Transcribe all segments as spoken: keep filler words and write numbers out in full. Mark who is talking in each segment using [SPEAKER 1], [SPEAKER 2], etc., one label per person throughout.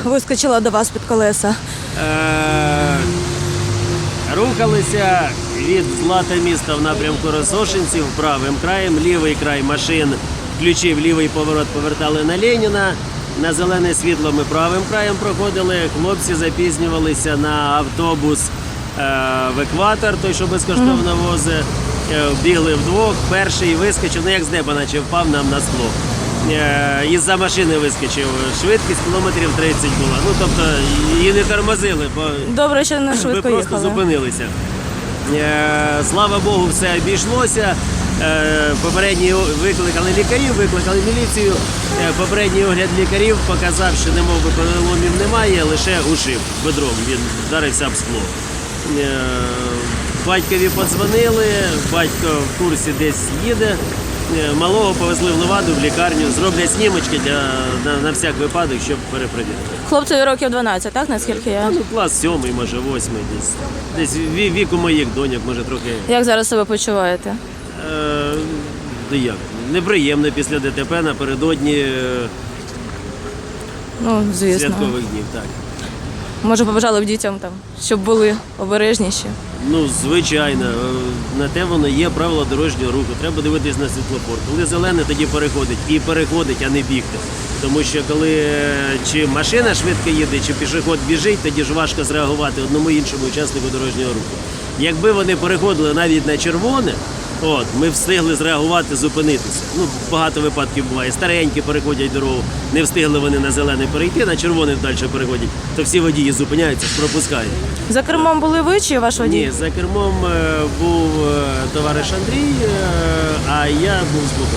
[SPEAKER 1] вискочила до вас під колеса?
[SPEAKER 2] Е, Рухалися від Злата міста в напрямку Росошинців правим краєм, лівий край машин включив лівий поворот, повертали на Леніна. На зелене світло ми правим краєм проходили. Хлопці запізнювалися на автобус е, в екватор, той, що безкоштовно возить. Е, бігли вдвох. Перший вискочив, ну як з неба, наче впав нам на скло. Е, із-за машини вискочив. Швидкість кілометрів тридцять була. Ну, тобто її не тормозили, бо
[SPEAKER 1] Добре, що не швидко
[SPEAKER 2] ми
[SPEAKER 1] їхали.
[SPEAKER 2] просто зупинилися. Е, слава Богу, все обійшлося. Е, попередній викликали лікарів, викликали міліцію. Е, попередній огляд лікарів показав, що немов би переломів немає, лише ушиб бедром. Він вдарився об скло. Е, батькові подзвонили, батько в курсі десь їде. Е, малого повезли в Леваду, в лікарню, зроблять снімочки для, на, на всяк випадок, щоб перепровірити.
[SPEAKER 1] Хлопцеві років дванадцять, так, наскільки я?
[SPEAKER 2] Ну, клас сьомий, може восьмий, десь. Десь ві- віку моїх доньок, може трохи.
[SPEAKER 1] Як зараз себе почуваєте?
[SPEAKER 2] Е, да як? Неприємно після ДТП напередодні е,
[SPEAKER 1] Ну, звісно.
[SPEAKER 2] святкових днів. Так.
[SPEAKER 1] Може, побажали б дітям, там, щоб були обережніші.
[SPEAKER 2] Ну, звичайно, е, на те воно є правила дорожнього руху. Треба дивитись на світлофор. Коли зелене, тоді переходить. І переходить, а не бігти. Тому що коли е, чи машина швидко їде, чи пішохід біжить, тоді ж важко зреагувати одному іншому учаснику дорожнього руху. Якби вони переходили навіть на червоне, от, ми встигли зреагувати, зупинитися. Ну, багато випадків буває. Старенькі переходять дорогу, не встигли вони на зелене перейти, на червоне далі переходять, то всі водії зупиняються, пропускають.
[SPEAKER 1] За кермом були ви чи ваш водій?
[SPEAKER 2] Ні, за кермом е, був е, товариш Андрій, е, а я був з боку.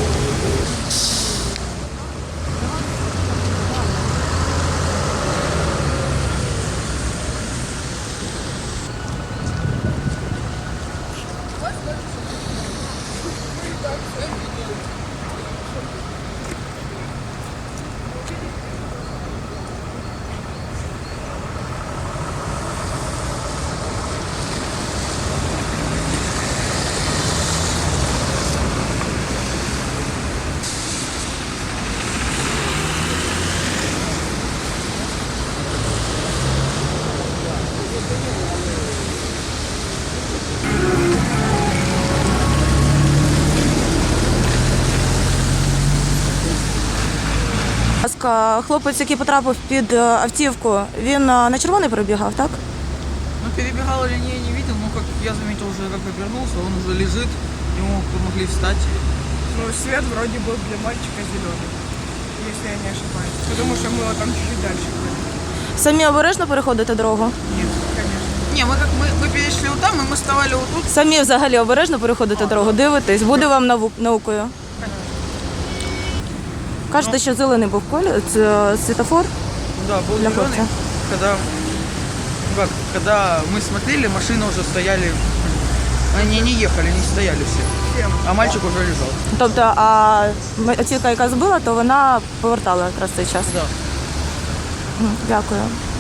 [SPEAKER 1] Будь ласка, хлопець, який потрапив під е, автівку, він е, на червоний перебігав, так?
[SPEAKER 3] Ну, перебегал или не, я не видел, но как я заметил уже, как обернулся, он уже лежит, ему помогли встать.
[SPEAKER 4] Ну, свет вроде был для мальчика зеленый, если я не ошибаюсь. Потому что мы вот там чуть-чуть дальше были.
[SPEAKER 1] Самі обережно переходите дорогу?
[SPEAKER 4] Нет, конечно.
[SPEAKER 3] Не, мы как мы, мы перешли вот там, и мы вставали вот тут.
[SPEAKER 1] Самі взагалі обережно переходите дорогу, дивитесь, буде вам наву- наукою. Кажете, що зелений був колір, це світофор.
[SPEAKER 3] Да, был
[SPEAKER 1] Для
[SPEAKER 3] зеленый,
[SPEAKER 1] хлопца.
[SPEAKER 3] когда, ну как, когда мы смотрели, машины уже стояли, они не ехали, не стояли все, а мальчик уже лежал.
[SPEAKER 1] Тобто, а автівка, яка збила, то вона повертала якраз цей час.
[SPEAKER 3] Да.
[SPEAKER 1] Мгм, Дякую.